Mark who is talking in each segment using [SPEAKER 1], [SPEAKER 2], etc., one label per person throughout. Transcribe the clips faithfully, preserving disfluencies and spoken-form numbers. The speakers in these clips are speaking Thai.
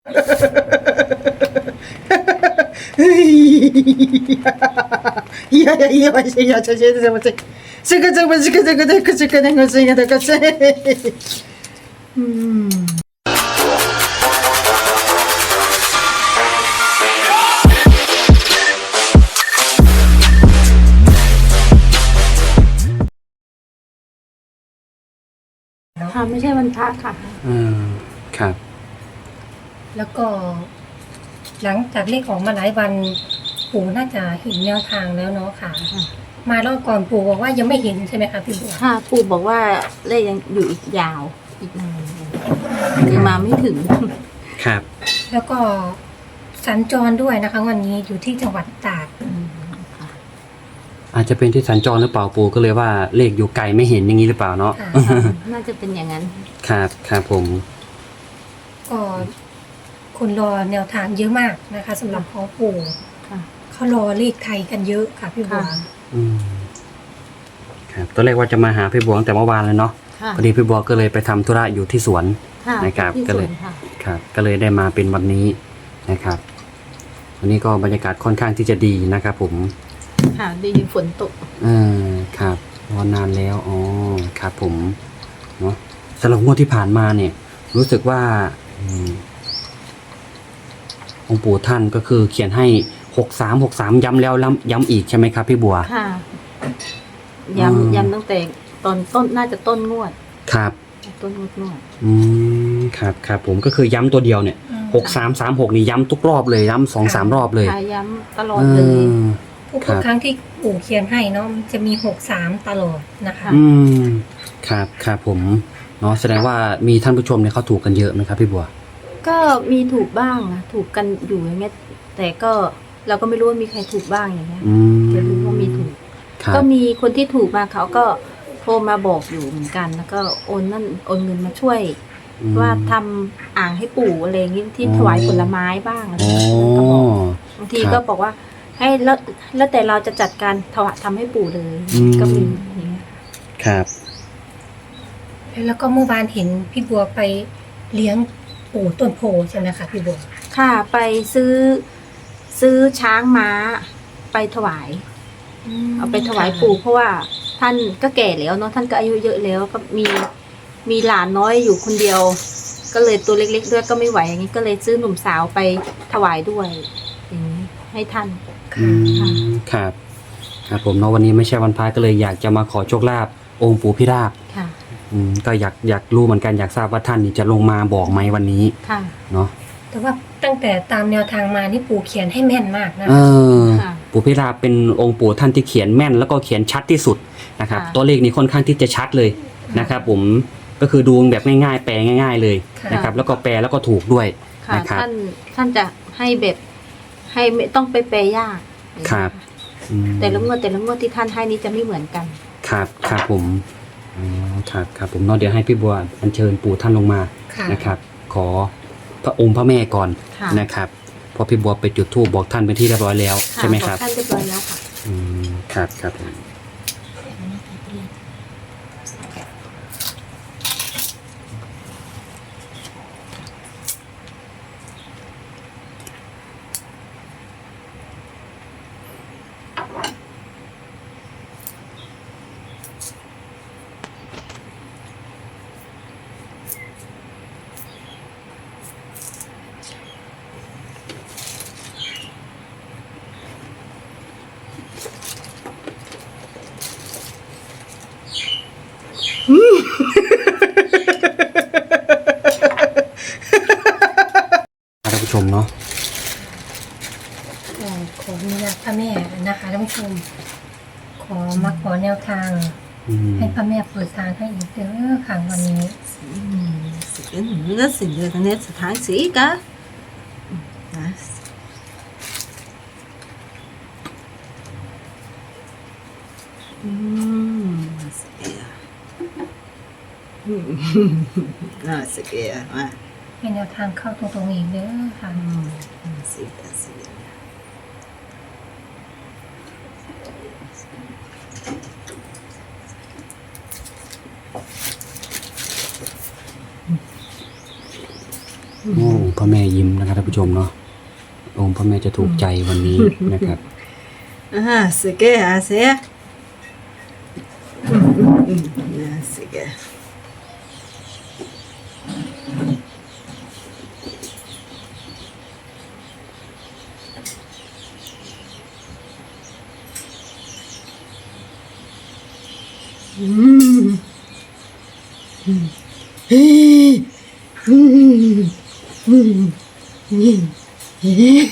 [SPEAKER 1] いやいやいやいやちょちょちょちょしかちょこしかちょこでくしかでくしかでくしうん。
[SPEAKER 2] ค่ะไม่ใช่วันพระค่ะ
[SPEAKER 3] อืมครับ
[SPEAKER 4] แล้วก็หลังจากเลขออกมาหลายวันปู่น่าจะเห็นแนวทางแล้วเนาะค่ะมารอบก่อนปู่บอกว่ายังไม่เห็นใช่ไหมคะพี่บัว
[SPEAKER 2] ค่ะปู่บอกว่าเลขยังอยู่อีกยาวอีกนานคือมาไม่ถึง
[SPEAKER 3] ครับ
[SPEAKER 4] แล้วก็สัญจรด้วยนะคะวันนี้อยู่ที่จังหวัดตราด
[SPEAKER 3] อาจจะเป็นที่สัญจรหรือเปล่าปู่ก็เลยว่าเลขอยู่ไกลไม่เห็นอย่างนี้หรือเปล่าเนาะ
[SPEAKER 2] น่าจะเป็นอย่างนั้น
[SPEAKER 3] ครับครับผม
[SPEAKER 4] ก็คนรอแนวทางเยอะมากนะคะสำหรับของปู่เขารอเลขไทยกันเยอะค่ะพี่บัว
[SPEAKER 3] อืมครับตอนแรกว่าจะมาหาพี่บัวตั้งแต่เมื่อวานเลยเนาะพอดีพี่บัวก็เลยไปทำธุระอยู่ที่สวนนะครับก็เลยครับก็เลยได้มาเป็นวันนี้นะครับวันนี้ก็บรรยากาศค่อนข้างที่จะดีนะครับผม
[SPEAKER 2] ค่ะดีฝนตก
[SPEAKER 3] เออครับรอนานแล้วอ๋อครับผมเนาะสำหรับงวดที่ผ่านมาเนี่ยรู้สึกว่าองค์ปู่ท่านก็คือเขียนให้หกสามหกสามย้ำแล้วย้ำอีกใช่ไหมครับพี่บัว
[SPEAKER 2] ค่ะย้ำย้ำตั้งแต่ตอนต้นน่าจะต้นงวด
[SPEAKER 3] ครับ
[SPEAKER 2] ต้นงวดงวด
[SPEAKER 3] อืมครับครับผมก็คือย้ำตัวเดียวเนี่ยหกสามสามหกนี่ย้ำทุกรอบเลยย้ำสองสามรอบเลย
[SPEAKER 2] ย้ำตลอดเลย
[SPEAKER 4] ทุกครั้งที่ปู่เขียนให้เนาะจะมีหกสามตลอดนะคะ
[SPEAKER 3] อืมครับครับผมเนาะแสดงว่ามีท่านผู้ชมเนี่ยเขาถูกกันเยอะไหมครับพี่บัว
[SPEAKER 2] ก็มีถูกบ้างนะถูกกันอยู่อย่างเงี้ยแต่ก็เราก็ไม่รู้ว่ามีใครถูกบ้างอย่างเงี้ยจะรู้ว่ามีถูกก็มีคนที่ถูกมาเขาก็โทรมาบอกอยู่เหมือนกันแล้วก็โอนนั่นโอนเงินมาช่วยว่าทำอ่างให้ปู่อะไรอย่างงี้ที่ถวายผลไม้บ้างอะไรก็บอกบางทีก็บอกว่าให้แล้วแล้วแต่เราจะจัดการถวายทำให้ปู่เลยก็มีอย่างเงี้ย
[SPEAKER 3] ครับ
[SPEAKER 4] แล้วก็เมื่อวานเห็นพี่บัวไปเลี้ยงปู่ต้นโพใช่ไหมคะพี่บัว
[SPEAKER 2] ค่ะไปซื้อซื้อช้างม้าไปถวายเอาไปถวายปู่เพราะว่าท่านก็แก่แล้วเนาะท่านก็อายุเยอะแล้วก็มีมีหลานน้อยอยู่คนเดียวก็เลยตัวเล็กๆด้วยก็ไม่ไหวอย่างนี้ก็เลยซื้อหนุ่มสาวไปถวายด้วยอย่างนี้ให้ท่าน
[SPEAKER 3] ครับครับผมเนาะวันนี้ไม่ใช่วันพระก็เลยอยากจะมาขอโชคลาภองค์ปู่พิราบ
[SPEAKER 2] ค่ะ
[SPEAKER 3] อืมก็อยากอยากรู้เหมือนกันอยากทราบว่าท่านนี่จะลงมาบอกไหมวันนี้
[SPEAKER 2] ค่ะ
[SPEAKER 3] เนาะ
[SPEAKER 4] แต่ว่าตั้งแต่ตามแนวทางมานี่ปู่เขียนให้แม่นมากนะ
[SPEAKER 3] เออปู่พิราบเป็นองค์ปู่ท่านที่เขียนแม่นแล้วก็เขียนชัดที่สุดนะครับตัวเลขนี้ค่อนข้างที่จะชัดเลยนะครับผมก็คือดูแบบง่ายๆแปลง่ายๆเลยนะครับแล้วก็แปลแล้วก็ถูกด้วยนะครับ
[SPEAKER 2] ท่านท่านจะให้แบบให้ไม่ต้องไปแปลยาก
[SPEAKER 3] ครับ
[SPEAKER 2] แต่ละงวดแต่ละงวดที่ท่านให้นี้จะไม่เหมือนกัน
[SPEAKER 3] ครับครับผมอ๋อครับครับผมเนาะเดี๋ยวให้พี่บัวอัญเชิญปู่ท่านลงมานะครับขอพระองค์พระแม่ก่อนนะครับพอพี่บัวไปจุดธูปบอกท่านเป็นที่เรียบร้อยแล้วใช่ไหมครับ
[SPEAKER 2] ท่านเรียบร้อยแล้วค่ะ
[SPEAKER 3] อืมครับครับท่านผู้ชมเนาะ
[SPEAKER 4] ขออนุญาตพระแม่นะคะท่านผู้ชมขอมาขอแนวทางให้พระแม่เปิดทางให้อีกเด้อค่ะวันนี้
[SPEAKER 1] สิ่งนี้ก็สิ่งเดียวกันนี้สถานสีกะนะอืมสิเกียอืมน่าสิเกียมา
[SPEAKER 4] ให้แนวทางเข้าตรงๆอีกเด้อค่ะ
[SPEAKER 1] สิเกียสิ
[SPEAKER 3] พระแม่ยิ้มนะครับท่านผู้ชมเนาะองค์พระแม่จะถูกใจวันนี้นะครับ
[SPEAKER 1] อ่าสิแกอาเสียอืมอืมอืมอ่าสิแกอืมอืมเฮ้ยอืมอืมอืมเฮ้ย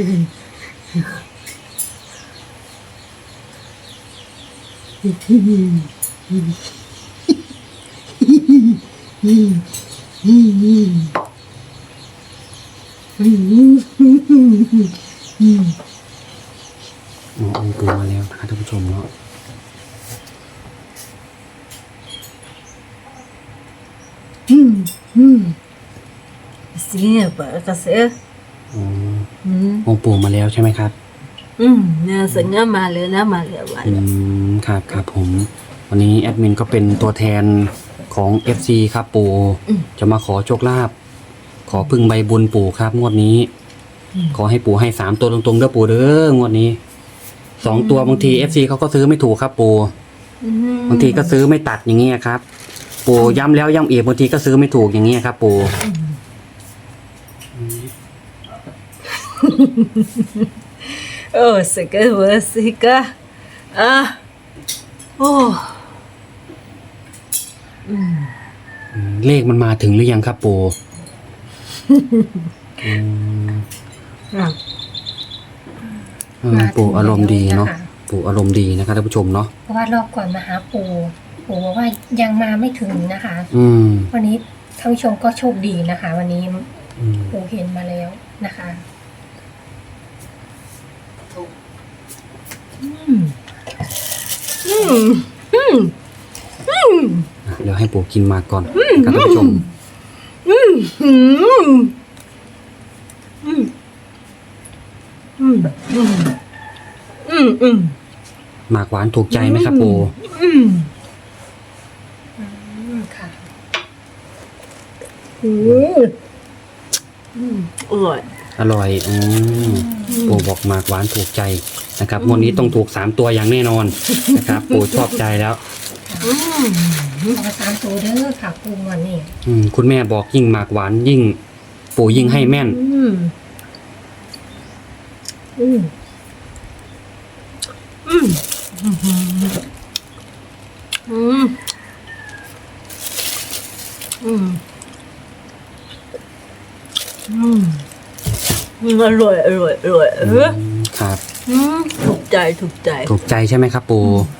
[SPEAKER 3] อ๋อองค์ปู่มาแล้วนะครับท่านผู้ชมเนาะ
[SPEAKER 1] อืมอืมเสียปะกะเสีย
[SPEAKER 3] อ๋อ
[SPEAKER 1] อืม
[SPEAKER 3] องค์ปู่มาแล้วใช่ไหมครับ
[SPEAKER 1] อืมเนี่ยสัญญามาเลยนะมาเลยมา
[SPEAKER 3] อื
[SPEAKER 1] เลย
[SPEAKER 3] มครับครับผม วันนี้แอดมินก็เป็นตัวแทนของ เอฟ ซี ครับปู่จะมาขอโชคลาภขอพึ่งใบบุญปู่ครับงวดนี้ ขอให้ปู่ให้สามตัวตรงๆเด้อปู่เด้องวดนี้สองตัวบางที เอฟ ซี เขาก็ซื้อไม่ถูกครับปู่
[SPEAKER 1] อืม
[SPEAKER 3] บางทีก็ซื้อไม่ตัดอย่างเงี้ยครับ ปู่ย้ำแล้วย้ำอีกบางทีก็ซื้อไม่ถูกอย่างเงี้ยครับปู่
[SPEAKER 1] โอ้สิกะเวอสิกะอ่ะโอ้อืม
[SPEAKER 3] อืมเลขมันมาถึงหรือยังครับปู่อืม
[SPEAKER 1] อ่ะ
[SPEAKER 3] เออปู่อารมณ์ดีเนาะปู่อารมณ์ดีนะครับท่านผู้ชมเนาะ
[SPEAKER 4] เพราะว่ารอบก่อนมาหาปู่ปู่บอกว่ายังมาไม่ถึงนะคะ
[SPEAKER 3] อืม
[SPEAKER 4] วันนี้ท่านผู้ชมก็โชคดีนะคะ วันนี้
[SPEAKER 3] อืม
[SPEAKER 4] ปู่เห็นมาแล้วนะคะ
[SPEAKER 1] อืมอืมอืมอืม
[SPEAKER 3] อ่ะเดี๋ยวให้ปู่กินมาก่อนนะครับท่านผู้ชม
[SPEAKER 1] อืมอืมอืมอืมอืมอืมอืม
[SPEAKER 3] หมากหวานถูกใจไหมครับปู่
[SPEAKER 1] อืม
[SPEAKER 4] อืมค่ะ
[SPEAKER 1] อืมอืมอร่อย
[SPEAKER 3] อร่อยอืมปู่บอกหมากหวานถูกใจนะครับงวดนี้ต้องถูกสามตัวอย่างแน่นอนนะครับ ปู่ชอบใจแล้ว
[SPEAKER 1] อืม
[SPEAKER 4] ขอสามตัวเด้อค่ะปู่วันนี้
[SPEAKER 3] อืมคุณแม่บอกยิ่งหมากหวานยิ่ง ปู่ยิ่งให้แม่น
[SPEAKER 1] อืมอืมอืมอืมอืมอืมอืมอร่อยอร่อยอร่อยเออ
[SPEAKER 3] ครับ
[SPEAKER 1] อืมถูกใจถูกใจ
[SPEAKER 3] ถูกใจใช่ไหมครับปู่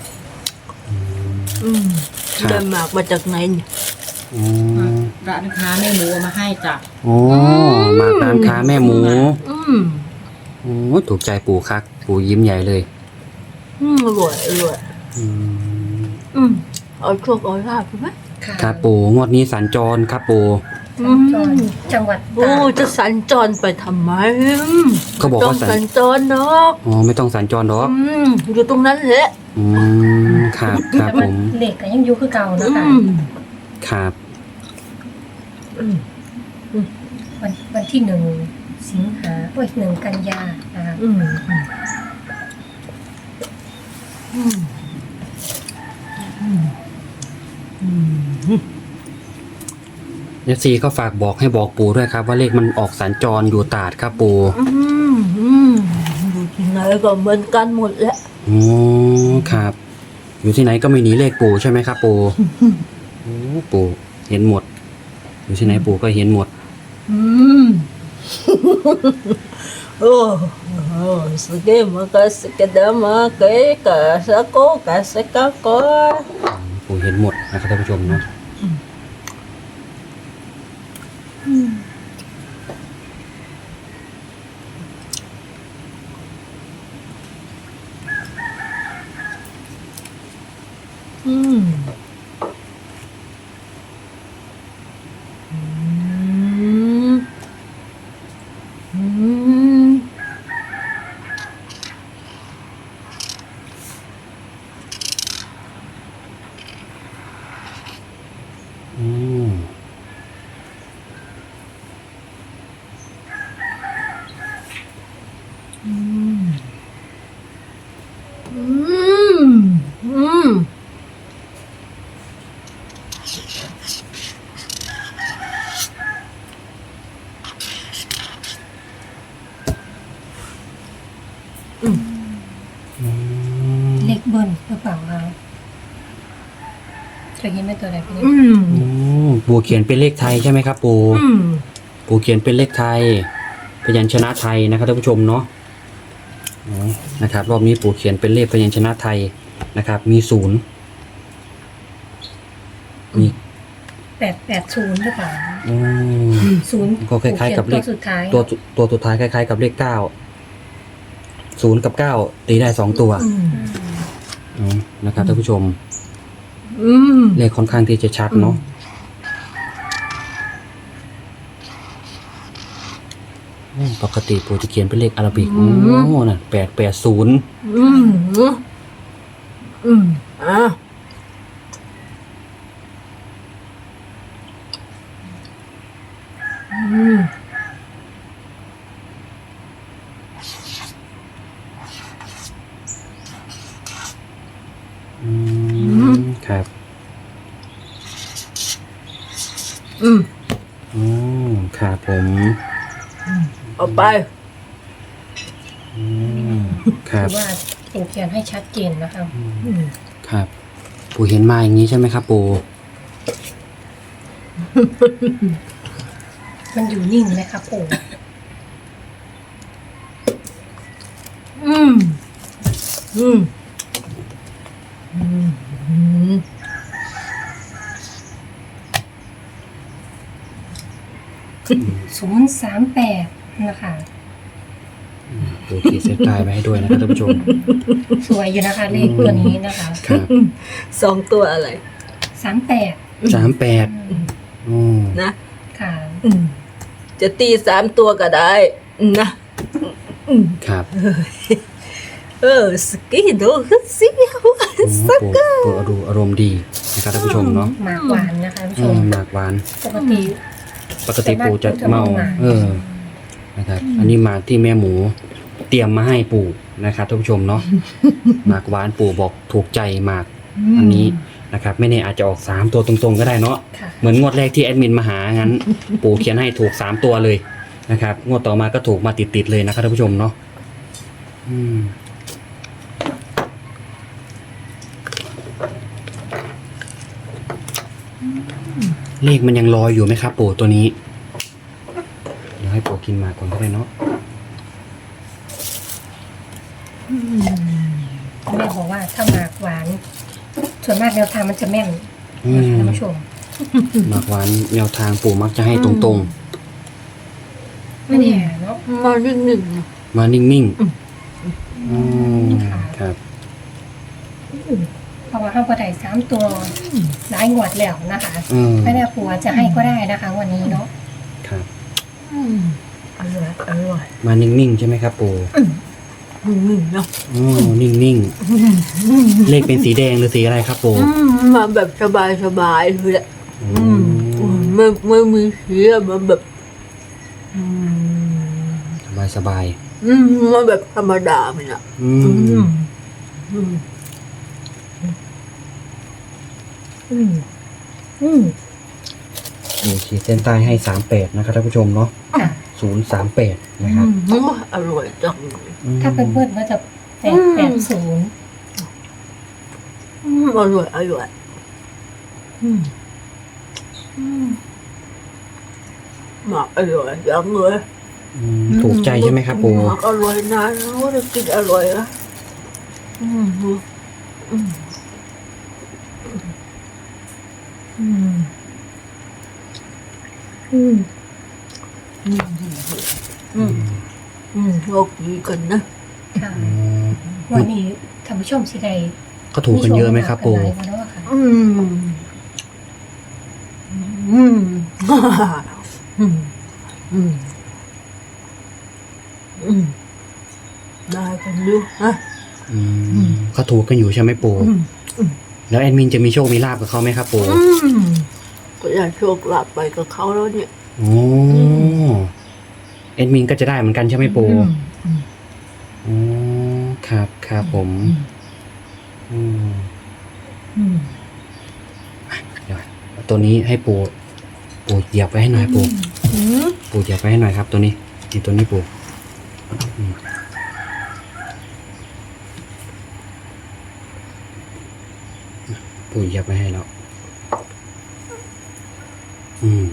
[SPEAKER 1] อืม
[SPEAKER 3] ครับ
[SPEAKER 1] ได้หมากมาจากไหนเนี่ย
[SPEAKER 3] อืม
[SPEAKER 5] ร้านค้าแม่หมูเอามาให้จ้ะ
[SPEAKER 3] โอ้หมากร้านค้าแม่หมู
[SPEAKER 1] อืม
[SPEAKER 3] โอ้ถูกใจปู่ครับปู่ยิ้มใหญ่เลย
[SPEAKER 1] อืมอร่อยอร่อย
[SPEAKER 3] อืม
[SPEAKER 1] อืมเอาโชคเอาลาบใช่ไหม
[SPEAKER 4] ค่ะ
[SPEAKER 3] ครับปู่งวดนี้สัญจรครับปู่
[SPEAKER 1] อืม
[SPEAKER 4] จอนจังหวัด
[SPEAKER 1] โอ้
[SPEAKER 4] ตาก
[SPEAKER 1] จะสัญจรไปทำไม
[SPEAKER 3] ก็บอก
[SPEAKER 1] ต้อ
[SPEAKER 3] ว่าง สั
[SPEAKER 1] สั
[SPEAKER 3] ญ
[SPEAKER 1] ญจรเนาะ
[SPEAKER 3] อ๋อไม่ต้องสัญจรหรอก
[SPEAKER 1] อืมอยู่ตรงนั้นแหละ
[SPEAKER 3] อืมครับครับ
[SPEAKER 4] แต่
[SPEAKER 3] ผ
[SPEAKER 4] มัน
[SPEAKER 3] ม
[SPEAKER 4] เหล็กก็ยังอยู่คือเก่า
[SPEAKER 1] อื
[SPEAKER 4] นะคะ
[SPEAKER 1] ม
[SPEAKER 3] ครับ
[SPEAKER 1] อืม
[SPEAKER 4] วันวันที่หนึ่งสิงหาเอ้ยหนึ่งกันยานะคะ
[SPEAKER 1] อืมอืมอืมอืม
[SPEAKER 3] เอฟซีก็ฝากบอกให้บอกปู่ด้วยครับ ว่าเลขมันออกสัญจรอยู่ตราดครับปู่
[SPEAKER 1] อืมอืมอยู่ที่ไหนก็เหมือนกันหมดแหละ
[SPEAKER 3] อ๋อครับ อยู่ที่ไหนก็ไม่หนีเลขปู่ใช่ไหมครับปู่โอ้ปู่เห็นหมด อยู่ที่ไหนปู่ก็เห็นหมด
[SPEAKER 1] อืม โอ้โหสเกมากสเกดามาเกกะสะโกกะสะกะโก
[SPEAKER 3] ปู่เห็นหมดนะครับท่านผู้ชมเนาะ
[SPEAKER 1] อืมอืมอืม
[SPEAKER 3] อืม
[SPEAKER 1] อืม
[SPEAKER 3] อืม
[SPEAKER 4] เลขเบิ้ลหรือเปล่าคะเคยเห็นเป็นตัวอะไรพี่นิด
[SPEAKER 1] อืม
[SPEAKER 3] อืมปู่เขียนเป็นเลขไทยใช่ไหมครับปู่
[SPEAKER 1] อืม
[SPEAKER 3] ปู่เขียนเป็นเลขไทยพยัญชนะไทยนะครับท่านผู้ชมเนาะอ๋อนะครับรอบนี้ปู่เขียนเป็นเลขพยัญชนะไทยนะครับ มีศูนย์มี
[SPEAKER 4] แปดแปดศูนย์หรือเปล่า
[SPEAKER 3] อืม
[SPEAKER 4] ศูนย์
[SPEAKER 3] ก็คล้ายๆกับเลข
[SPEAKER 4] ตัวสุดท้าย
[SPEAKER 3] ตัวตัวสุดท้ายคล้ายๆกับเลขเก้าศูนย์กับเก้าตีได้สองตัว
[SPEAKER 1] อืม
[SPEAKER 3] อ๋อนะครับท่านผู้ชม
[SPEAKER 1] อืม
[SPEAKER 3] เลขค่อนข้างที่จะชัดเนาะอืมปกติปู่จะเขียนเป็นเลขอาราบิกโอ้น่ะแปดแปดศูนย์
[SPEAKER 1] อืมอืมอ่ะอืม
[SPEAKER 3] อืมครับ
[SPEAKER 1] อืม
[SPEAKER 3] อืมครับผม
[SPEAKER 1] เอาไป
[SPEAKER 3] อืมครั
[SPEAKER 4] คื
[SPEAKER 3] บ
[SPEAKER 4] อว่าปู่เขียนให้ชัดเจนนะคะ
[SPEAKER 1] อืม
[SPEAKER 3] ครับ ปู่เห็นมาอย่างนี้ใช่ไหมครับปู่
[SPEAKER 4] มันอยู่นิ่งไหมคะปู่
[SPEAKER 1] อืมอืมอืมอืม
[SPEAKER 4] ศูนย์สามแปดนะคะ
[SPEAKER 3] ปู่ขีดเส้นใต้ไว้ให้ด้วยนะครับท่านผู้ชม
[SPEAKER 4] สวยอยู่นะคะเลขตัวนี้นะคะ
[SPEAKER 3] ครับ
[SPEAKER 1] สองตัวอะไร
[SPEAKER 4] สามแปด
[SPEAKER 3] สามแปดอืม
[SPEAKER 1] นะ
[SPEAKER 4] ค่ะ
[SPEAKER 1] อืมจะตีสามตัวก็ได้นะอืม
[SPEAKER 3] ครับ
[SPEAKER 1] เออสกีโดคือสิ
[SPEAKER 3] อืมปู่ปู่อารมณ์อารมณ์ดีนะครับท่านผู้ชมเนาะ
[SPEAKER 4] หมากหวานนะคะท่านผู้
[SPEAKER 3] อื
[SPEAKER 4] ชม
[SPEAKER 3] มหมากหวาน
[SPEAKER 4] ปกติ
[SPEAKER 3] ปกติปู่จะเมา เออ นะครับ อันนี้หมากที่แม่หมูเตรียมมาให้ปู่นะครับท่านผู้ชมเนาะ หมากหวานปู่บอกถูกใจหมาก อันนี้นะครับ ไม่แน่อาจจะออกสามตัวตรงๆก็ได้เนาะ
[SPEAKER 4] ค่ะ
[SPEAKER 3] เหมือนงวดแรกที่แอดมินมาหางั้น ปู่เขียนให้ถูกสามตัวเลยนะครับ งวดต่อมาก็ถูกมาติดๆเลยนะครับท่านผู้ชมเนาะอืมเลขมันยังลอยอยู่ไหมครับ ปู่ตัวนี้ เดี๋ยวให้ปู่กินมาก่อนก็ได้เนาะ
[SPEAKER 4] แม่บอกว่าถ้าหมากหวาน ส่วนมากแนวทางมันจะแม่น
[SPEAKER 3] อื
[SPEAKER 4] นะคะ
[SPEAKER 3] ม
[SPEAKER 4] ท่านผู้ชม
[SPEAKER 3] หมากหวานแนวทางปู่มักจะให้ตรง
[SPEAKER 4] ไม่แน่เนาะ
[SPEAKER 1] มาหนึ่งหนึ่ง
[SPEAKER 3] ๆ มานิ่งๆอืมครับ
[SPEAKER 4] เพราะว่าเข้าก็ได้สามตัวหลายงวดแล้วนะคะ
[SPEAKER 3] อืม
[SPEAKER 4] ไม่แน่ปู่อาจจะให้ก็ได้นะคะวันนี้เนาะ
[SPEAKER 3] ครับ
[SPEAKER 1] อืมอร่อยอร่อย
[SPEAKER 3] มานิ่งๆใช่ไหมครับปู่
[SPEAKER 1] อืมเนาะ
[SPEAKER 3] อ๋อนิ่งๆ เลขเป็นสีแดงหรือสีอะไรครับปู่
[SPEAKER 1] อืมมาแบบสบายสบายเลยแหละ
[SPEAKER 3] อื
[SPEAKER 1] อืม
[SPEAKER 3] ม
[SPEAKER 1] ไม่ไม่มีเสียมาแบบ อืม
[SPEAKER 3] สบายสบาย
[SPEAKER 1] อืมมาแบบธรรมดามันอ่ะ
[SPEAKER 3] ๆอื
[SPEAKER 1] อื
[SPEAKER 3] ม
[SPEAKER 1] มอืมอืมอืม
[SPEAKER 3] ปู่ขีดเส้นใต้ให้สามแปดนะครับท่านผู้ชมเนาะ
[SPEAKER 4] ค่ะ
[SPEAKER 3] ศูนย์สามแปดนะครับ
[SPEAKER 1] อืมอร่อยจังเลย
[SPEAKER 3] อืม
[SPEAKER 4] ถ้าเป็นเพื่อนก็จะแปดแปดศูนย์
[SPEAKER 1] อืมอร่อยอร่อยอืมอืมหมักอร่อยจังเลย
[SPEAKER 3] อืมถูกใจใช่ไหมครับปู่
[SPEAKER 1] หมักอร่อยนะรู้ว่าจะกินอร่อยนะอืมอืมอืมอืมอืมอืมอืมอืมโชคดีกันนะ
[SPEAKER 4] ค่ะ
[SPEAKER 3] อืม
[SPEAKER 4] วันนี้ท่านผู้ชมสิได้
[SPEAKER 3] เขาถูกกันเยอะไหมครับปู่
[SPEAKER 4] มีโชกันหลายวันแล้วอะค่ะ
[SPEAKER 1] อืมอืมอืมอืมอืมได้กันอยู่ฮะ
[SPEAKER 3] อืมเขาถูกกันอยู่ใช่ไหมปู่
[SPEAKER 1] อืม
[SPEAKER 3] แล้วแอดมินจะมีโชคมีลาบกับเขาไหมครับปู่
[SPEAKER 1] อืมก็อยากโชคลาภไปกับเขาแล้วเนี่ย
[SPEAKER 3] โอ้แอดมินก็จะได้เหมือนกันใช่ไหมปู่
[SPEAKER 1] อืมอืม
[SPEAKER 3] อ๋อครับครับผมอืม
[SPEAKER 1] อืม
[SPEAKER 3] เดี๋ยวตัวนี้ให้ปู่ปู่เหยียบไว้ให้หน่อยปู่
[SPEAKER 1] อืม
[SPEAKER 3] ปู่เหยียบไว้ให้หน่อยครับ ตัวนี้นี่ตัวนี้ปู่อืมปู่เหยับไม่ให้แล้วอืม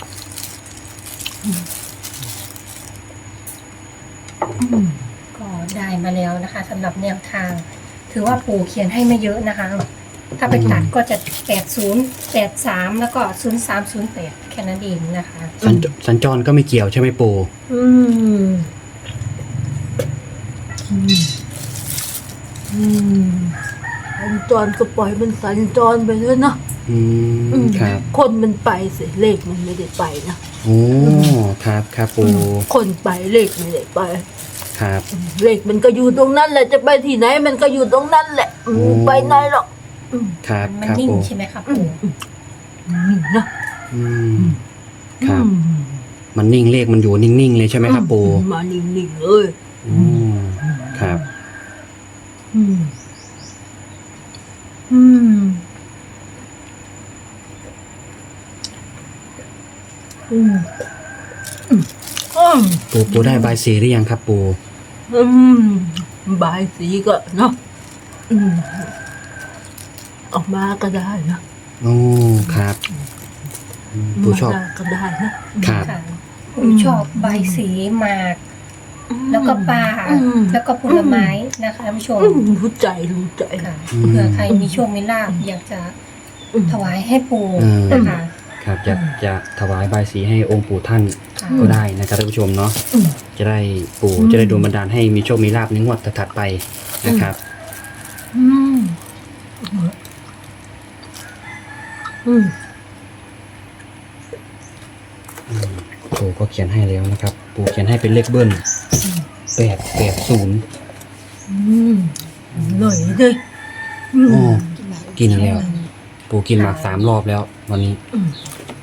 [SPEAKER 4] ก็ได้มาแล้วนะคะสำหรับแนวทาง ถือว่าปู่เขียนให้ไม่เยอะนะคะ ถ้าไปตัดก็จะแปดศูนย์ แปดสามแล้วก็ศูนย์สาม ศูนย์แปดแค่นั้นเองนะคะ
[SPEAKER 3] สัญจสัญจรก็ไม่เกี่ยวใช่ไหมปู่
[SPEAKER 1] อืมอืมอืมสัญจรก็ปล่อยมันสัญจรไปเถอะเนาะ
[SPEAKER 3] อืมครับ
[SPEAKER 1] คนมันไปสิเลขมันไม่ได้ไปนะ
[SPEAKER 3] โอ้ครับครับปู่
[SPEAKER 1] คนไปเลขไม่ได้ไป
[SPEAKER 3] ครับ
[SPEAKER 1] เลขมันก็อยู่ตรงนั้นแหละจะไปที่ไหนมันก็อยู่ตรงนั้นแหละอืม
[SPEAKER 3] โอ้
[SPEAKER 1] ไปไหนหรอก
[SPEAKER 3] ครับ
[SPEAKER 4] มัน
[SPEAKER 3] ครับ
[SPEAKER 4] นิ่ง
[SPEAKER 3] ปู่
[SPEAKER 4] ใช่ไหมคะปู่
[SPEAKER 1] นี่นะ
[SPEAKER 3] อืมครับ
[SPEAKER 1] อืม
[SPEAKER 3] มันนิ่งเลขมันอยู่นิ่งๆเลยใช่ไหมครับปู่
[SPEAKER 1] มานิ่งๆเลย
[SPEAKER 3] อืมครับ
[SPEAKER 1] อืมอืมอืมอืมอืม
[SPEAKER 3] ปู่ปู่ได้ใบายสีหรือยังครับปู่
[SPEAKER 1] อืมบายสีก็เนาะอืมออกมาก็ได้นะ
[SPEAKER 3] โอ้ครับอืมปู่ชอบ
[SPEAKER 1] มาก็ได้นะครับ
[SPEAKER 4] ค่ะปู่ชอบใบสีหมาก แล้วก็ปลา
[SPEAKER 1] อืม
[SPEAKER 4] แล้วก็ผลไม้นะคะท่านผู้ชม
[SPEAKER 1] อืมรู้ใจรู้ใจ
[SPEAKER 4] ค่ะ
[SPEAKER 3] อืม
[SPEAKER 4] เผื่อใครมีโชคมีลาภอยากจะถวายให้ปู่
[SPEAKER 3] อืม
[SPEAKER 4] นะคะ
[SPEAKER 3] ครับอยากจะถวายใบายสีให้องค์ปู่ท่าน
[SPEAKER 4] ค่ะ
[SPEAKER 3] ก็ได้นะครับท่านผู้ชมเนาะ
[SPEAKER 1] อืม
[SPEAKER 3] จะได้ปู่
[SPEAKER 1] อืม
[SPEAKER 3] จะได้ดลบันดาลให้มีโชคมีลาภในงวดถัดๆไปนะครับ
[SPEAKER 1] อืมอืม
[SPEAKER 3] ปู่ก็เขียนให้แล้วนะครับ ปู่เขียนให้เป็นเลขเบิ้ลแปดแปดศูนย์
[SPEAKER 1] อืมหน่อยดิอืม
[SPEAKER 3] โอ้กินแล้ว ปู่กินหมากสามรอบแล้ว วันนี้
[SPEAKER 1] อืม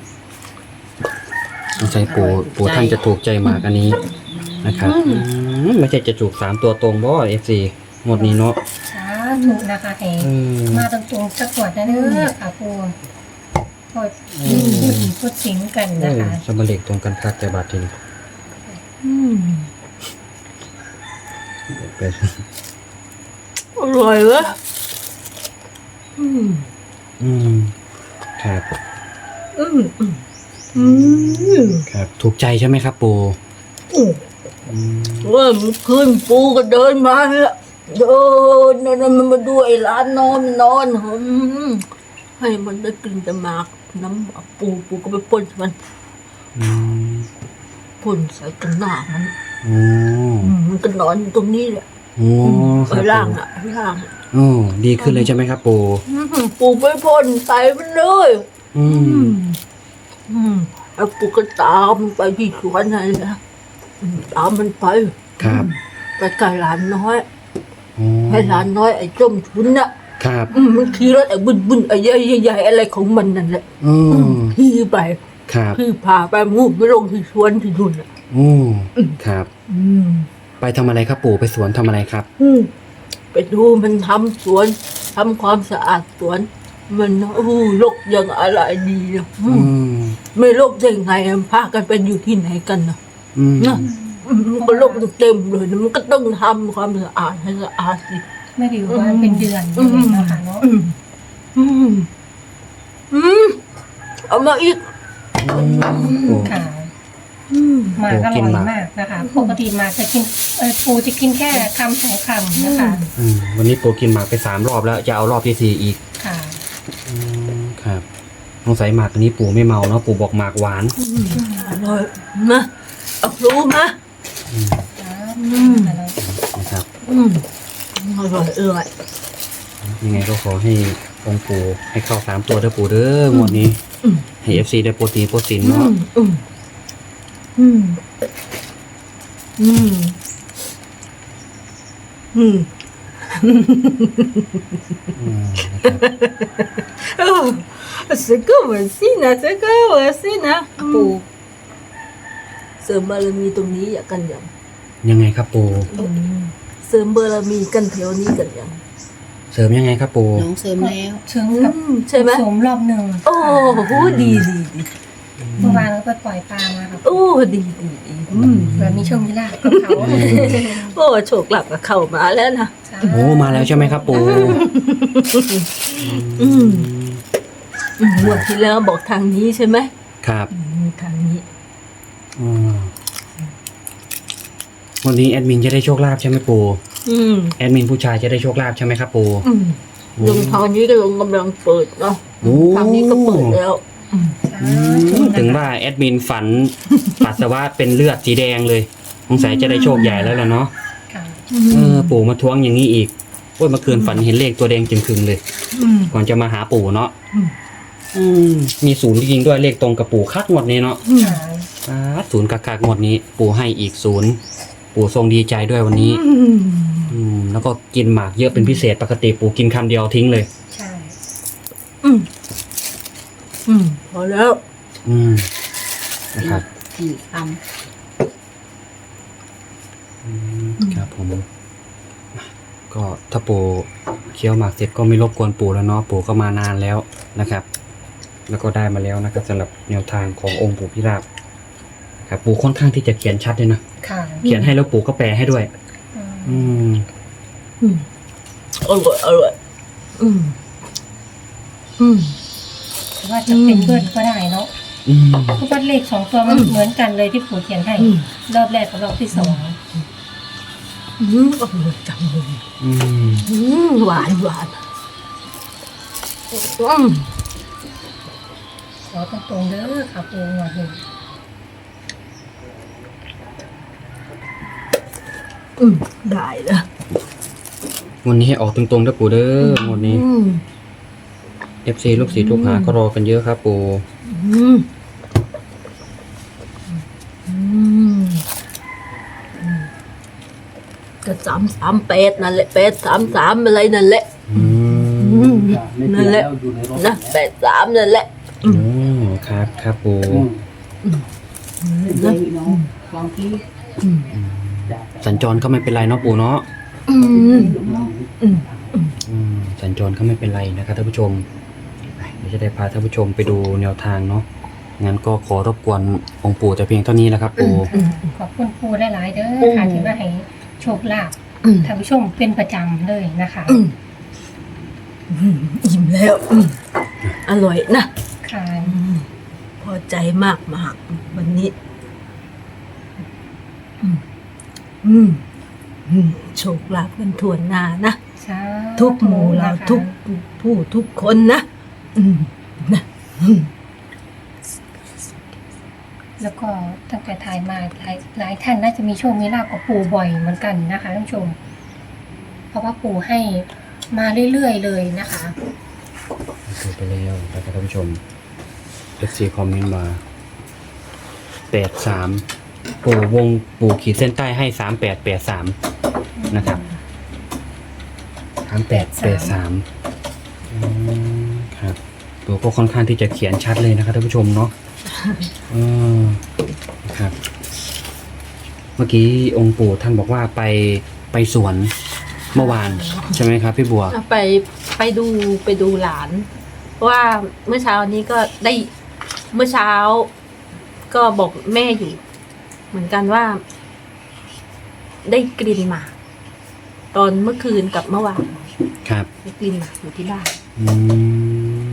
[SPEAKER 3] สงสัยปู่ปู่ท่านจะถูกใจหมากอันนี้นะครับอืมไม่ใช่จะถูกสามตัวตรงบ่เอฟซีหมดนี้เนาะ
[SPEAKER 4] สาธุนะคะแห่
[SPEAKER 3] เออ
[SPEAKER 4] มาตรงๆสักขวดนะเด้อค่ะปู่พอพูดพูดสิงกัน
[SPEAKER 3] เอ
[SPEAKER 4] นะ
[SPEAKER 3] อ
[SPEAKER 4] คะ
[SPEAKER 3] สมบัติตรงกันคักแต่บาททีนี้
[SPEAKER 1] อืม
[SPEAKER 3] แปด
[SPEAKER 1] อร่อยวะอืม
[SPEAKER 3] อืมครับ
[SPEAKER 1] อืมอืมอืม
[SPEAKER 3] ครับ ถูกใจใช่ไหมครับปู่
[SPEAKER 1] อืม
[SPEAKER 3] อืม
[SPEAKER 1] ว่ามันคืนปูก็เดินมาเนี่ยเดินเดินมันมาดูไอ้ร้านนอนมันนอนอืมให้มันได้กลิ่นแต่หมากน้ำหมากปูปูก็ไปพ่นมัน
[SPEAKER 3] อืม
[SPEAKER 1] พ่นใส่กันหน้ามัน
[SPEAKER 3] โอ้
[SPEAKER 1] อืมมันก็นอนอยู่ตรงนี้แหละ
[SPEAKER 3] โอ้ค
[SPEAKER 1] ไอ้
[SPEAKER 3] รับ
[SPEAKER 1] ล่าง
[SPEAKER 3] ปู่
[SPEAKER 1] อ่ะไอ้ล่างอะ
[SPEAKER 3] โอ้ดีขึ้นเลยใช่ไหมครับปู่
[SPEAKER 1] อืมปูไปพ่นใส่มันเลย
[SPEAKER 3] อื
[SPEAKER 1] อื
[SPEAKER 3] ม
[SPEAKER 1] มอืมแล้วปูก็ตามไปที่สวนนั่นแหละอืมตามมันไป
[SPEAKER 3] ครับ
[SPEAKER 1] ไปไกลหลานน้อย
[SPEAKER 3] โอ้
[SPEAKER 1] ให้หลานน้อยไอ้ส้มชุนน่ะ
[SPEAKER 3] ครับ
[SPEAKER 1] อืมมันขี่รถไอ้บึนบึนไอ้ใหญ่ใหญ่ๆอะไรของมันนั่นแหละ
[SPEAKER 3] โอ้
[SPEAKER 1] ขี่ไป
[SPEAKER 3] ครับ
[SPEAKER 1] ขี่พาไปมูไปลงที่สวนที่นู่นอ่ะ
[SPEAKER 3] โอ้ครับ
[SPEAKER 1] อืม
[SPEAKER 3] ไปทำอะไรครับปู่ไปสวนทำอะไรครับ
[SPEAKER 1] อืมไปดูมันทำสวนทำความสะอาดสวน มันโอ้ลกยังอะไรดีนะอื
[SPEAKER 3] อื
[SPEAKER 1] ม
[SPEAKER 3] ม
[SPEAKER 1] ไม่ลกได้ไงมันพากันไปอยู่ที่ไหนกันนะ
[SPEAKER 3] อืม
[SPEAKER 1] นะอืมมันก็ลกเต็มเลยนะมันก็ต้องทำความสะอาดให้สะอาดสิ
[SPEAKER 4] ไม่ได้อยู่บ้านเป็นเดือน
[SPEAKER 1] อืม
[SPEAKER 4] นะคะเนาะ
[SPEAKER 1] อืมอืมอืมเอามาอีก
[SPEAKER 3] ปู่
[SPEAKER 4] ค่ะ
[SPEAKER 1] อืม
[SPEAKER 4] หมากอ
[SPEAKER 3] โอ้กิน
[SPEAKER 4] ร่อย
[SPEAKER 3] หมาก
[SPEAKER 4] มากนะคะ ปกติหมากจะกินเออปูจะกินแค่คำสองคำนะคะ
[SPEAKER 3] อืมวันนี้ปู่กินหมากไปสามรอบแล้ว จะเอารอบที่สี่อีก
[SPEAKER 4] ค่ะ
[SPEAKER 3] อืมครับสงสัยหมากอันนี้ปู่ไม่เมาเนาะปู่บอกหมากหวาน
[SPEAKER 1] อร่อยมาเอารู้มา
[SPEAKER 3] อืม
[SPEAKER 1] อืม
[SPEAKER 3] นะครับ
[SPEAKER 1] อืมอร่อยอร่อย
[SPEAKER 3] ยังไงก็ขอให้องค์ปู่ให้เข้าสามตัวเด้อปู่เด้องวดนี้
[SPEAKER 1] อืม
[SPEAKER 3] ให้เอฟซีได้โปรตีนโปรตีน
[SPEAKER 1] อื
[SPEAKER 3] เนาะ
[SPEAKER 1] มอืมอืมอืมอืม
[SPEAKER 3] อืมนะครับ
[SPEAKER 1] Oh, c'est comme aussi นะ c'est comme aussi นะปูเสริมบารมีตรงนี้อยากกันยัง
[SPEAKER 3] ยังไงครับปู่
[SPEAKER 1] เสริมบารมีกันแถวนี้กันยัง
[SPEAKER 3] เสริมยังไงครับปู่
[SPEAKER 5] น้องเสริมแล้ว
[SPEAKER 4] เชิงกับ
[SPEAKER 1] ใช่ไหม
[SPEAKER 4] สมรอบหนึ่ง
[SPEAKER 1] โอ้โหดีดีดี
[SPEAKER 4] เมื่อวานก็ไปปล่อยปลามาค่ะ
[SPEAKER 1] โอ้ดีดีดีอืม
[SPEAKER 4] เผื่อมีโชคมีลาภกับเขา
[SPEAKER 1] โอ้โชคลาภก็เข้ามาแล้วนะ
[SPEAKER 3] โอ้มาแล้วใช่ไหมครับปู่
[SPEAKER 1] อืมอืมงวดที่แล้วบอกทางนี้ใช่ไหม
[SPEAKER 3] ครับ
[SPEAKER 1] อืมทางนี้
[SPEAKER 3] อืมวันนี้แอดมินจะได้โชคลาภใช่ไหมปู่
[SPEAKER 1] อืม
[SPEAKER 3] แอดมินผู้ชายจะได้โชคลาภใช่ไหมครับปู่
[SPEAKER 1] อืมลงทางนี้ก็ลงกำลังเปิดเนาะ
[SPEAKER 3] โอ้
[SPEAKER 1] ทางนี้ก็เปิดแล้วอืม
[SPEAKER 3] อืมถึงว่าแอดมินฝัน ปัสสาวะเป็นเลือดสีแดงเลยสงสัยจะได้โชคใหญ่แล้วล่ะเนาะ
[SPEAKER 4] ค่ะ
[SPEAKER 3] เออปู่มาท้วงอย่างนี้อีกโอ้ยเมื่อคืนฝันเห็นเลขตัวแดงจึงครึงเลย
[SPEAKER 1] อืม
[SPEAKER 3] ก่อนจะมาหาปู่เนาะ
[SPEAKER 1] อืม
[SPEAKER 3] อืมมีศูนย์จริงๆด้วยเลขตรงกับปู่คักงวดนี้เนาะ
[SPEAKER 1] อืม
[SPEAKER 4] ค่ะ
[SPEAKER 3] อ่าศูนย์กักกักงวดนี้ ปู่ให้อีกศูนย์ปู่ทรงดีใจด้วยวันนี้
[SPEAKER 1] อืม
[SPEAKER 3] อืมแล้วก็กินหมากเยอะเป็นพิเศษปกติปู่กินคำเดียวทิ้งเลย
[SPEAKER 4] ใช่
[SPEAKER 1] อืมอืมพอแล้ว
[SPEAKER 3] อืมนะครับ
[SPEAKER 5] สี่ค
[SPEAKER 3] อืมครับผมก็ถ้าปู่เคี้ยวหมากเสร็จก็ไม่รบกวนปู่แล้วเนาะปู่ก็มานานแล้วนะครับ แล้วก็ได้มาแล้วนะครับสำหรับแนวทางขององค์ปู่พิราบครับปู่ค่อนข้างที่จะเขียนชัดเลยนะ
[SPEAKER 4] ค่ะ
[SPEAKER 3] เขียนให้แล้วปู่ก็แปลให้ด้วย
[SPEAKER 4] อืม
[SPEAKER 3] อืม
[SPEAKER 1] อืมอร่อยอร่อยอืมอืม
[SPEAKER 4] แต่ว่าจะเป็นเบิร์ดก็ได้เนาะ
[SPEAKER 3] อืม
[SPEAKER 4] เพราะว่าเลขสองตัวมันเหมือนกันเลยที่ปู่เขียนให้
[SPEAKER 1] อืม
[SPEAKER 4] รอบแรกกับรอบที่สอง
[SPEAKER 1] อืมอร่อยจังเลย
[SPEAKER 3] อืม
[SPEAKER 1] อืมหวานหวานอืม
[SPEAKER 4] ขอตรงๆเด้อค่ะปู่หน่อยหนึ่ง
[SPEAKER 1] อืมได้ละ
[SPEAKER 3] วันนี้ให้ออกตรงๆนะปู่เด้อวันนี้
[SPEAKER 1] อืม
[SPEAKER 3] เอฟซีลูกศิษย์ลูกหาก็รอกันเยอะครับปู่
[SPEAKER 1] อืมอืมอืมก็สามสามแปดนั่นแหละแปดสามสามอะไรนั่นแหละ
[SPEAKER 3] อื
[SPEAKER 1] อื
[SPEAKER 3] ม
[SPEAKER 1] มนั่นแหละนะแปดสามนั่นแหละ
[SPEAKER 3] อ๋อครับครับปู่
[SPEAKER 5] ำเลยเนาะลองที่
[SPEAKER 1] อืม
[SPEAKER 3] สัญจรก็ไม่เป็นไรเนาะปู่เนาะ
[SPEAKER 1] อืมอืม
[SPEAKER 3] อืมสัญจรก็ไม่เป็นไรนะครับท่านผู้ชมไปเดี๋ยวจะได้พาท่านผู้ชมไปดูแนวทางเนาะงั้นก็ขอรบกวนองค์ปู่แต่เพียงเท่านี้แหละครับปู่
[SPEAKER 4] ขอบคุณปู่หลายๆเด้อค่ะที่มาให้โชคลาภ
[SPEAKER 1] อืม
[SPEAKER 4] ท่านผู้ชมเป็นประจำเลยนะคะ
[SPEAKER 1] อืมอืมอิ่มแล้วอืมอร่อยนะ
[SPEAKER 4] ค่ะ
[SPEAKER 1] อืมพอใจมากมากๆวันนี้ อืมอืมอืมโชคลาภกันทั่วหน้านะ
[SPEAKER 4] สาธุ
[SPEAKER 1] ทุกหมู่เรา
[SPEAKER 4] นะคะ
[SPEAKER 1] ทุกผู้ทุกคนนะอืมนะอืม
[SPEAKER 4] แล้วก็ตั้งแต่ถ่ายมาหลายหลายท่านน่าจะมีโชคมีลาภกับปู่บ่อยเหมือนกันนะคะท่านผู้ชม เพราะว่าปู่ให้มาเรื่อยๆเลยนะคะ
[SPEAKER 3] ดูไปแล้วนะครับท่านผู้ชมเอฟซีคอมเมนต์มาแปดสามปู่วงปู่ขีดเส้นใต้ให้สามแปดแปดสามนะครับสามแปดแปดสามครับปู่ก็ค่อนข้างที่จะเขียนชัดเลยนะครับท่านผู้ชมเนาะเออครับ เมื่อกี้องค์ปู่ท่านบอกว่าไปไปสวนเมื่อวานใช่ไหมครับพี่บัว
[SPEAKER 2] ไปไปดูไปดูหลาน เพราะว่าเมื่อเช้านี้ก็ได้เมื่อเช้า ก็บอกแม่อยู่ เหมือนกันว่า ได้กลิ่นหมากตอนเมื่อคืนกับเมื่อวาน
[SPEAKER 3] ครับ
[SPEAKER 2] ได้กลิ่นหมากอยู่ที่บ้าน
[SPEAKER 3] อืม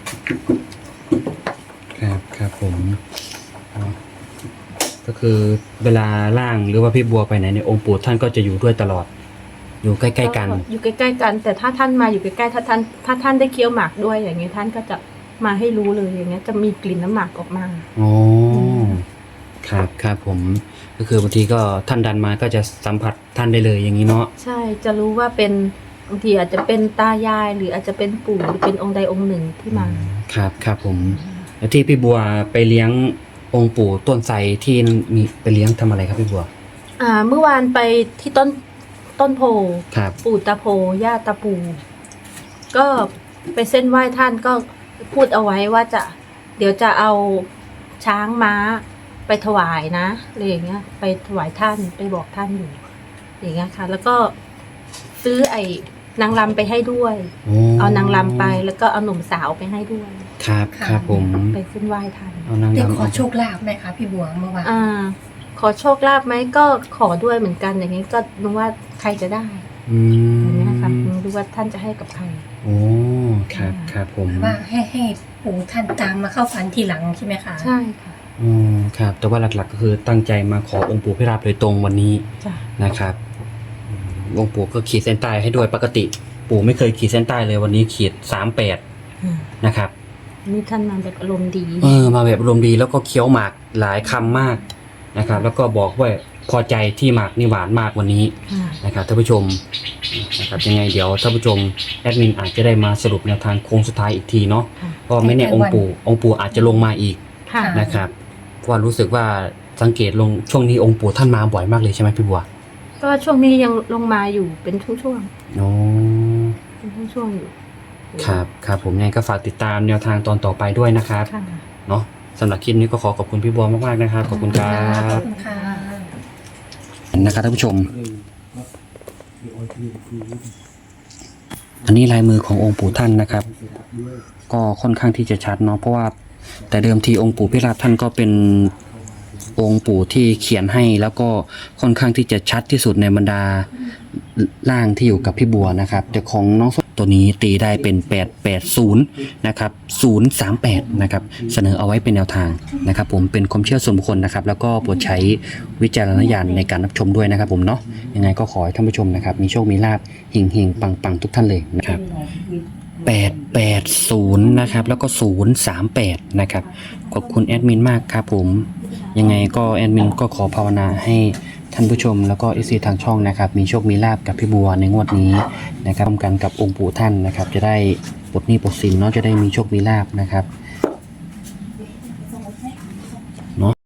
[SPEAKER 3] ครับครับผมอ๋อก็คือเวลาล่างหรือว่าพี่บัวไปไหนเนี่ยองค์ปู่ท่านก็จะอยู่ด้วยตลอด อยู่ใกล้ๆกัน
[SPEAKER 2] อยู่ใกล้ๆกัน แต่ถ้าท่านมาอยู่ใกล้ๆถ้าท่านถ้าท่านได้เคี้ยวหมากด้วยอย่างเงี้ยท่านก็จะมาให้รู้เลยอย่างเงี้ยจะมีกลิ่นน้ำหมากออกมา
[SPEAKER 3] อ๋อครับครับผม ก็คือบางทีก็ท่านดันมาก็จะสัมผัสท่านได้เลยอย่างนี้เนาะ
[SPEAKER 2] ใช่จะรู้ว่าเป็นบางทีอาจจะเป็นตายายหรืออาจจะเป็นปู่หรือเป็นองค์ใดองค์หนึ่งที่มา
[SPEAKER 3] ครับครับผมแล้วที่พี่บัวไปเลี้ยงองค์ปู่ต้นไทรที่มีไปเลี้ยงทำอะไรครับพี่บัว
[SPEAKER 2] อ่าเมื่อวานไปที่ต้นต้นโพ
[SPEAKER 3] ครับ
[SPEAKER 2] ปู่ตาโพย่าตาปูก็ไปเส้นไหว้ท่านก็พูดเอาไว้ว่าจะ เดี๋ยวจะเอาช้างม้าไปถวายนะอะไรอย่างเงี้ย ไปถวายท่านไปบอกท่านอยู่อย่างเงี้ยค่ะ แล้วก็ซื้อไอ้นางรำไปให้ด้วย
[SPEAKER 3] โอ้
[SPEAKER 2] เอานางรำไปแล้วก็เอาหนุ่มสาวไปให้ด้วย
[SPEAKER 3] ครับครับผม
[SPEAKER 2] ไปเส้นไหว้ทัน
[SPEAKER 3] เอานาง
[SPEAKER 4] ได้
[SPEAKER 3] รำ
[SPEAKER 4] ขอโชคลาภไหมคะพี่บัวเมื่อวาน
[SPEAKER 2] อ่า ขอโชคลาภไหมก็ขอด้วยเหมือนกันอย่างนี้ก็รู้ว่าใครจะได้
[SPEAKER 3] อืม
[SPEAKER 2] อย่างนี้นะคะไม่รู้ว่าท่านจะให้กับใคร
[SPEAKER 3] โอ้ครับครับผม
[SPEAKER 4] ว่าให้ให้ปู่ท่านตามมาเข้าฝันทีหลังใช่ไหมคะ
[SPEAKER 2] ใช่ค่ะ
[SPEAKER 3] อืมครับแต่ว่าหลักๆก็คือตั้งใจมาขอองค์ปู่พิราบโดยตรงวันนี้
[SPEAKER 2] จ้ะ
[SPEAKER 3] นะครับอืมองค์ปู่ก็ขีดเส้นใต้ให้ด้วยปกติ ปู่ไม่เคยขีดเส้นใต้เลยวันนี้ขีดสามแปด
[SPEAKER 2] อืม
[SPEAKER 3] นะครับ
[SPEAKER 2] นี่ท่านมาแบบอารมณ์ดี
[SPEAKER 3] เออมาแบบอารมณ์ดีแล้วก็เคี้ยวหมากหลายคำมากนะครับ แล้วก็บอกว่าพอใจที่หมากนี่หวานมากวันนี้
[SPEAKER 2] ค่ะ
[SPEAKER 3] นะครับท่านผู้ชมนะครับยังไงเดี๋ยวท่านผู้ชมแอดมินอาจจะได้มาสรุปแนวทางโค้งสุดท้ายอีกทีเนาะ
[SPEAKER 2] ค่ะ
[SPEAKER 3] เพราะไม่แน่องค์ปู่องค์ปู่อาจจะลงมาอีก
[SPEAKER 2] ค่ะ
[SPEAKER 3] นะครับเพราะว่ารู้สึกว่าสังเกตลงช่วงนี้องค์ปู่ท่านมาบ่อยมากเลยใช่ไหมพี่บัว
[SPEAKER 2] ก็ช่วงนี้ยังลงมาอยู่เป็นช่วง
[SPEAKER 3] โอ้
[SPEAKER 2] ๆเป็นช่วงๆอยู่
[SPEAKER 3] ครับครับผมยังไงก็ฝากติดตามแนวทางตอนต่อไปด้วยนะครับ
[SPEAKER 2] ค่ะ
[SPEAKER 3] เนาะสำหรับคลิปนี้ก็ขอขอบคุณพี่บัวมากๆนะครับขอบคุณครั
[SPEAKER 4] ขอบบ คุณค่ะ
[SPEAKER 3] นะครับท่านผู้ชม อันนี้ลายมือขององค์ปู่ท่านนะครับ ก็ค่อนข้างที่จะชัดเนาะเพราะว่าแต่เดิมทีองค์ปู่พิราบท่านก็เป็นองค์ปู่ที่เขียนให้แล้วก็ค่อนข้างที่จะชัดที่สุดในบรรดาร่างที่อยู่กับพี่บัวนะครับแต่ของน้องส้มตัวนี้ตีได้เป็นแปดแปดศูนย์นะครับศูนย์สามแปดนะครับเสนอเอาไว้เป็นแนวทางนะครับ ผมเป็นความเชื่อส่วนบุคคลนะครับ แล้วก็โปรดใช้วิจารณญาณในการรับชมด้วยนะครับ ผมเนาะยังไงก็ขอให้ท่านผู้ชมนะครับมีโชคมีลาภหิ่งหิ่งปังปังทุกท่านเลยนะครับ แปด แปด ศูนย์นะครับแล้วก็ศูนย์ สาม แปดนะครับขอบคุณแอดมินมากครับผมยังไงก็แอดมินก็ขอภาวนาให้ท่านผู้ชมแล้วก็เอซีทางช่องนะครับมีโชคมีลาภกับพี่บัวในงวดนี้นะครับร่วมกันกับองค์ปู่ท่านนะครับจะได้ปลดหนี้ปลดสินเนาะจะได้มีโชคมีลาภนะครับ